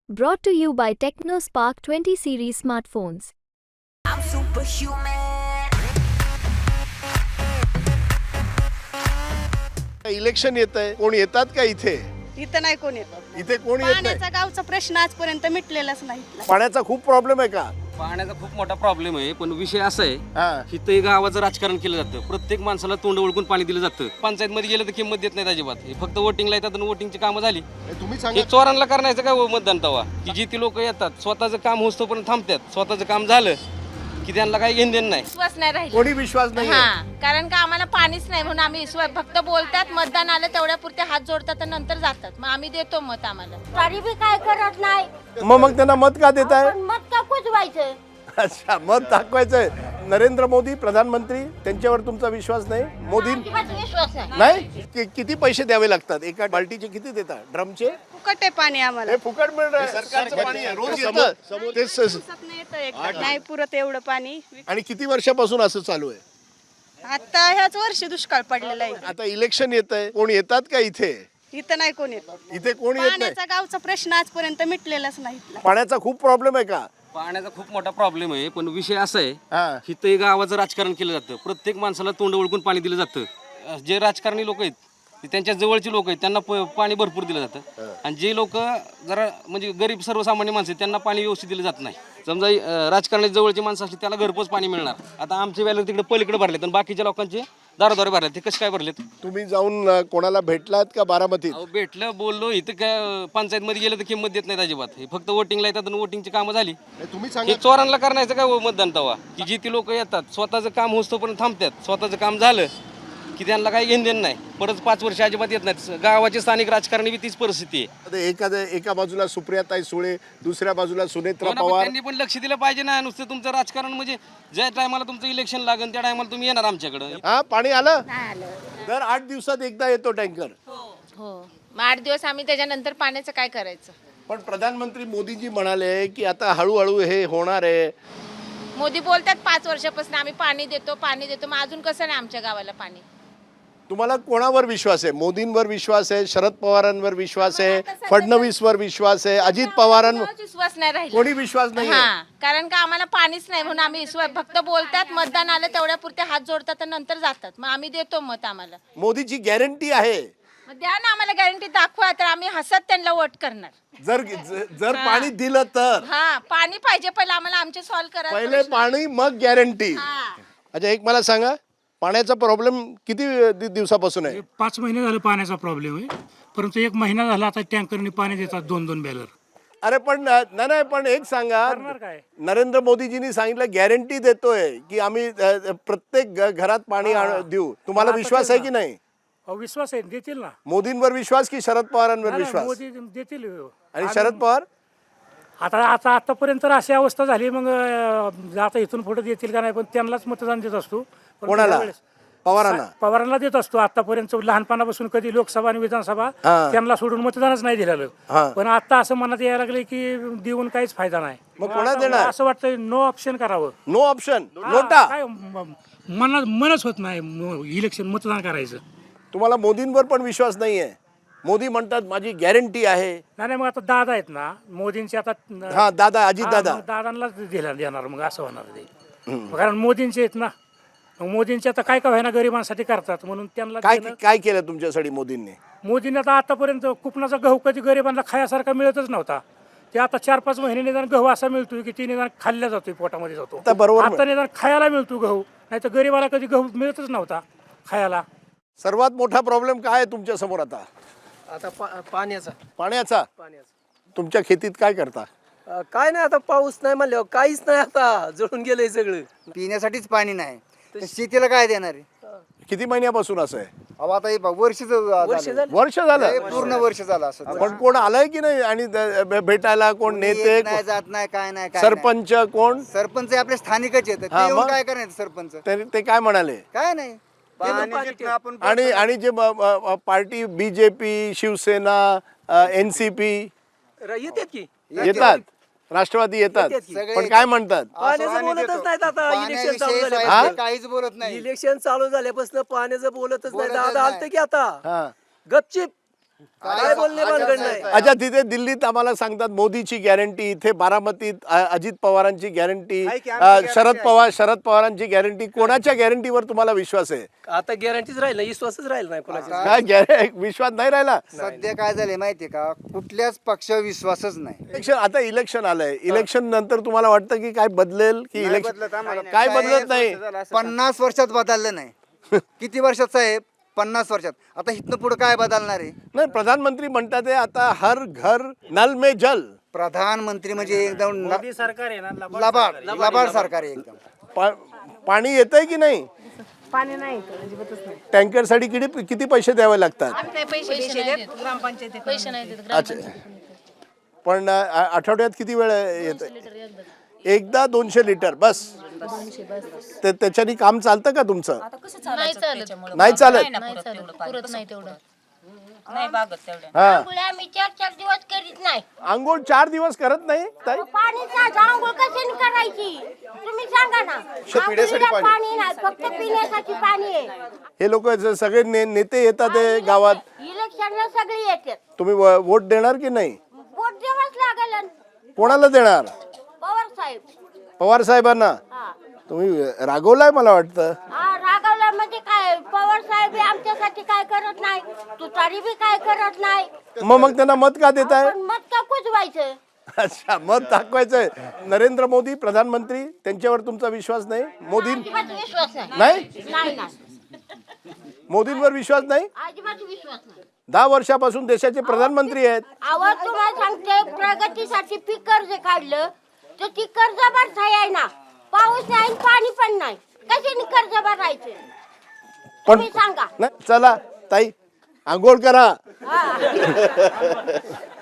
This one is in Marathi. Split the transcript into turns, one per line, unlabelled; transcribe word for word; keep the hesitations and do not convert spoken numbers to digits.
Brought to you by TechnoSpark twenty series smartphones.
I'm superhuman.
Election येत आहे, कोण येतात का इथे?
इथं नाही कोण येत.
इथे कोण येत नाही.
पाण्याचा गावचा प्रश्न आजपर्यंत मिटलेलाच नाही.
पाण्याचा खूप प्रॉब्लेम आहे का?
पाण्याचा खूप मोठा प्रॉब्लेम आहे, पण विषय असा आहे
हा.
की गावाचं राजकारण केलं जातं. प्रत्येक माणसाला तोंड ओळखून पाणी दिलं जातं. पंचायत मध्ये गेलं तर किंमत देत नाही अजिबात. हे फक्त वोटिंगला येतात आणि वोटिंगची कामं झाली.
हे तुम्ही
हे
सांगा.
चोरांना करण्याचं काय मतदान तवा की जी ती लोक येतात स्वतःचं काम होतं पण थांबतात. स्वतःचं काम झालं की त्यांना काही घेणं देणं नाही.
विश्वास नाही राहिला.
कोणी विश्वास नाही.
हा, कारण का आम्हाला पाणीच नाही म्हणून आम्ही विश्वास फक्त बोलतात, मतदान आलं तेवढ्या पुरते हात जोडतात आणि नंतर जातात. मग आम्ही देतो मत. आम्हाला
तरी बी काय करत नाही.
मग मग त्यांना मत का देताय?
पण मत का कुजवायचं?
अच्छा, मत दाखवायचंय. नरेंद्र मोदी प्रधानमंत्री, त्यांच्यावर तुमचा विश्वास नाही? मोदी
अजिबात विश्वास नाही.
नाही. कि- किती पैसे द्यावे लागतात? एका बाल्टीचे किती देतात? ड्रमचे?
फुकट आहे पाणी आम्हाला.
हे फुकट मिळत आहे. सरकारचं पाणी आहे. रोज येतं. ते स-
दिवसात नाही येतं एकदा. नाही पुरत एवढं पाणी.
आणि किती वर्षापासून असं चालू आहे?
आता ह्याच वर्षी दुष्काळ पडलेला आहे.
आता इलेक्शन येत आहे, कोण येतात का इथे?
इथं नाही कोण येत.
इथे कोण येत नाही.
पाण्याचा गावचा प्रश्न आजपर्यंत मिटलेलाच नाही.
पाण्याचा खूप प्रॉब्लेम आहे का?
पाण्याचा खूप मोठा प्रॉब्लेम आहे, पण विषय असा आहे
हा.
की गावाचं राजकारण केलं जातं. प्रत्येक माणसाला तोंड ओळखून पाणी दिलं जातं. जे राजकारणी लोक आहेत ते त्यांच्या जवळची लोक आहेत, त्यांना प- पाणी भरपूर दिलं जातं. आणि जे लोक जरा म्हणजे गरीब सर्वसामान्य माणसं आहेत त्यांना पाणी व्यवस्थित दिलं जात नाही. समजा अं, राजकारणी जवळची माणसं असली त्याला घरपोच पाणी मिळणार. आता आमचे व्याला तिकडे पलीकडे भरलेत आणि बाकीच्या लोकांचे दारोदारे भरलेत. ते कसे काय भरलेत?
तुम्ही जाऊन अ, कोणाला भेटलात का बारामतीत?
अहो भेटलं, बोललो. इथं काय पंचायत मध्ये गेलं तर किंमत देत नाही अजिबात. हे फक्त वोटिंगला येतात आणि वोटिंगची कामं झाली.
हे तुम्ही
हे
सांगा.
चोरांना करण्याचं काय मतदान तवा की जी ती लोक येतात स्वतःचं काम होतं पण थांबतात. स्वतःचं काम झालं की त्यांना काही घेणं देणं नाही. परत पाच वर्ष अजिबात येत नाहीत. गावाचे स्थानिक राजकारणी बी तीच परिस्थिती आहे.
आता एखाद्या एका बाजूला सुप्रियाताई सुळे, दुसऱ्या बाजूला सुनेत्रा
हो ना, पण
पवार.
त्यांनी पण लक्ष दिलं पाहिजे ना. नुसतं तुमचं राजकारण म्हणजे ज्या टायमाला तुमचं इलेक्शन लागेल त्या टायमाला तुम्ही येणार आमच्याकडे.
हा, पाणी आलं. दर आठ दिवसात एकदा येतो टँकर.
हो, मग आठ दिवस आम्ही त्याच्यानंतर पाण्याचं काय करायचं?
पण प्रधानमंत्री मोदीजी म्हणाले की आता हळूहळू हे होणार आहे.
मोदी बोलतात पाच वर्षापासून आम्ही पाणी देतो पाणी देतो. मग अजून कसं नाही आमच्या गावाला पाणी?
तुम्हाला कोणावर विश्वास आहे? मोदींवर विश्वास आहे, शरद पवारांवर विश्वास आहे, फडणवीसवर विश्वास आहे, अजित पवारांवर
कोणावर विश्वास नाही राहिला.
कोणी विश्वास नाही?
हा, कारण का आम्हाला पाणीच नाही म्हणून आम्ही विश्वास फक्त बोलतात, मतदान आलं तेवढ्या पुरते हात जोडतात आणि नंतर जातात. मग आम्ही देतो मत. आम्हाला
मोदीची गॅरंटी आहे.
मग द्या ना आम्हाला गॅरंटी, दाखवा तर आम्ही हसत त्यांना वोट करणार.
जर ज- जर पाणी दिलं तर
हा, पाणी पाहिजे पहिलं आम्हाला, आमचे सॉल्व्ह करा.
पहिले पाणी मग गॅरंटी.
हा.
अच्छा, एक मला सांगा, पाण्याचा प्रॉब्लेम किती दि- दिवसापासून आहे?
पाच महिने झाले पाण्याचा प्रॉब्लेम आहे, परंतु एक महिना झाला आता टँकरने पाणी देतात दोन दोन बॅलर.
अरे पण नाही नाही, पण एक सांगा,
काय?
नरेंद्र मोदीजींनी सांगितलं गॅरंटी देतोय की आम्ही अ, प्रत्येक घ- घरात पाणी आण- देऊ. तुम्हाला
आता
विश्वास
तेच
आहे
ना.
की नाही?
अहो, विश्वास आहे, देतील ना.
मोदींवर विश्वास की शरद पवारांवर
नाही,
विश्वास?
मोदी देतील.
आणि शरद पवार
आता आता आतापर्यंत तर अशी अवस्था झाली, मग अं, आता इथून पुढे देतील का नाही, पण त्यांनाच मतदान देत असतो. परंतु
कोणाला?
यावेळेस
पवारांना?
पवारांना देत असतो. आतापर्यंत लहानपणापासून कधी लोकसभा आणि विधानसभा
हा.
त्यांना सोडून मतदानच नाही
हा.
दिलेलं. पण आता असं मनात यायला लागले की देऊन काहीच फायदा नाही.
मग कोणाला
आता
देणार?
असं वाटतं नो ऑप्शन करावं.
No option, NOTA.
काय म- मनात मनच होत नाही म- इलेक्शन मतदान करायचं.
तुम्हाला मोदींवर पण विश्वास नाहीये? मोदी म्हणतात माझी गॅरंटी आहे.
नाही नाही, मग आता दादा आहेत ना मोदींचे, आता
हा, दादा, अजित
हा,
दादा.
मग दादांनाच दिला देणार मग असं होणार ते. कारण मोदींचे आहेत ना, मग मोदींचे आता काय काय व्हायना गरिबांसाठी करतात म्हणून त्यांना
काय
देणं-
काय केलं तुमच्यासाठी मोदींनी?
मोदींनी आता आतापर्यंत कुपनाचा गहू कधी गरिबांना खायासारखा मिळतच नव्हता. ते आता चार पाच महिने निदान गहू असा मिळतोय की ती निदान खाल्ल्या जातोय, पोटामध्ये जातो.
आता बरोबर
आता निदान खायला मिळतो गहू, नाही तर गरिबाला कधी गहू मिळतच नव्हता खायला.
सर्वात मोठा प्रॉब्लेम काय आहे तुमच्या समोर आता?
आता पा पाण्याचा
पाण्याचा.
पाण्याचा
तुमच्या खेतीत काय करता?
अ, काय नाही, आता पाऊस नाही म्हणल्यावर काहीच नाही, आता जळून गेलंय सगळं.
पिण्यासाठीच पाणी नाही तर शेतीला काय देणार आहे?
किती महिन्यापासून असं आहे?
अहो, आता हे बघ, वर्ष
वर्ष
झालं.
झालं.
वर्ष झालं.
हे पूर्ण वर्ष झालं असं.
पण कोण आलंय की नाही? आणि द- भे- भेटायला कोण नेते,
येत नाही, जात नाही, काय नाही, काय
सरपंच कोण?
नाही. सरपंच हे आपले स्थानिकच येतात.
हा,
ते येऊन
मग?
काय करायचं सरपंच?
ते ते काय म्हणाले?
काय नाही. पाणी
पाणी
जिथनं आपण
आणि आणि जे ब- ब- party BJP, Shiv Sena, N C P
र- येतात की
येतात, राष्ट्रवादी येतात,
येतात की.
पण काय म्हणतात?
पाण्याचं बोलतच नाहीत आता. इलेक्शन चालू
पाण्याविषयी
झाले,
साहेब काहीच बोलत नाही.
इलेक्शन चालू झाल्यापासून पाण्याचं बोलतच नाही.
बोलतच
दादा
नाही.
आलते की आता
हा.
गपचिप काय बोलणे भानगड नाही.
अच्छा, तिथे दिल्लीत आम्हाला सांगतात मोदीची गॅरंटी, इथे बारामतीत अ, अजित पवारांची गॅरंटी,
आहे की आमची
शरद
guarantee
पवार शरद पवारांची गॅरंटी. कोणाच्या गॅरंटीवर तुम्हाला विश्वास आहे?
आता गॅरंटीच राहील नाही, विश्वासच राहील नाही कोणाची.
काय गॅरे विश्वास नाही राहिला?
सध्या काय झालंय माहितीये का, कुठल्याच पक्षावर विश्वासच नाही.
इलेक्शन, आता इलेक्शन आलंय, इलेक्शन नंतर तुम्हाला वाटतं की काय बदलेल की
नाही
इलेक्शन
बदलत आम्हाला.
काय बदलत नाही?
पन्नास वर्षात बदललं नाही. किती वर्षात साहेब? पन्नास वर्षात. आता इथनं पुढे काय बदलणार आहे?
नाही, प्रधानमंत्री म्हणतात आहे आता हर घर नल में जल.
प्रधानमंत्री म्हणजे एकदम न-
मोदी सरकार आहे ना
लबाड लबाड सरकार आहे एकदम.
पा- पाणी येतंय की नाही?
पाणी नाही अजिबातच नाही.
टँकर साठी किती किती पैसे द्यावे लागतात?
ग्रामपंचायत
पैसे नाही देत
अच्छा, पण अ, आठवड्यात किती वेळ येत? एकदा दोनशे लिटर बस. ते त्याच्यानी काम चालतं का तुमचं?
नाही चालत
नाही चालत.
नाही चालत पुरत नाही तेवढं
हा,
आम्ही चार चार दिवस करीत नाही.
आंघोळ चार दिवस करत नाही ताई?
पाणी आंघोळ कशाने करायची तुम्ही सांगा ना.
पिण्यासाठी
आंघोळीला
पाणी.
पाणी नाही, फक्त पिण्यासाठी पाणी आहे.
हे लोक सगळे ने, नेते येतात हे गावात,
इलेक्शनला सगळे येतात.
तुम्ही व- वोट देणार की नाही?
वोट द्यावाच लागेल.
कोणाला देणार?
पवार साहेब.
पवार साहेबांना.
हा
तुम्ही रागवलाय मला वाटतं.
हा, रागावला म्हणजे काय, पवार साहेब बी आमच्यासाठी काय करत नाही, तुतारी बी काय करत नाही.
मग मग त्यांना मत का देताय?
पण मत का कुजवायचं?
अच्छा, मत दाखवायचंय. नरेंद्र मोदी प्रधानमंत्री, त्यांच्यावर तुमचा विश्वास नाही? मोदी
अजिबात विश्वास नाही.
नाही?
नाही नाही,
मोदींवर विश्वास नाही?
अजिबात विश्वास नाही.
दहा वर्षापासून देशाचे प्रधानमंत्री आहेत.
आवाज तुम्हाला सांगते, प्रगतीसाठी पीक कर्ज काढलं तर ती कर्ज भरता येईना. पाऊस नाही आणि पाणी पण नाही, कशाने कर्ज भरायचं
पण
तुम्ही सांगा.
नाही, चला ताई आंघोळ करा.
हा.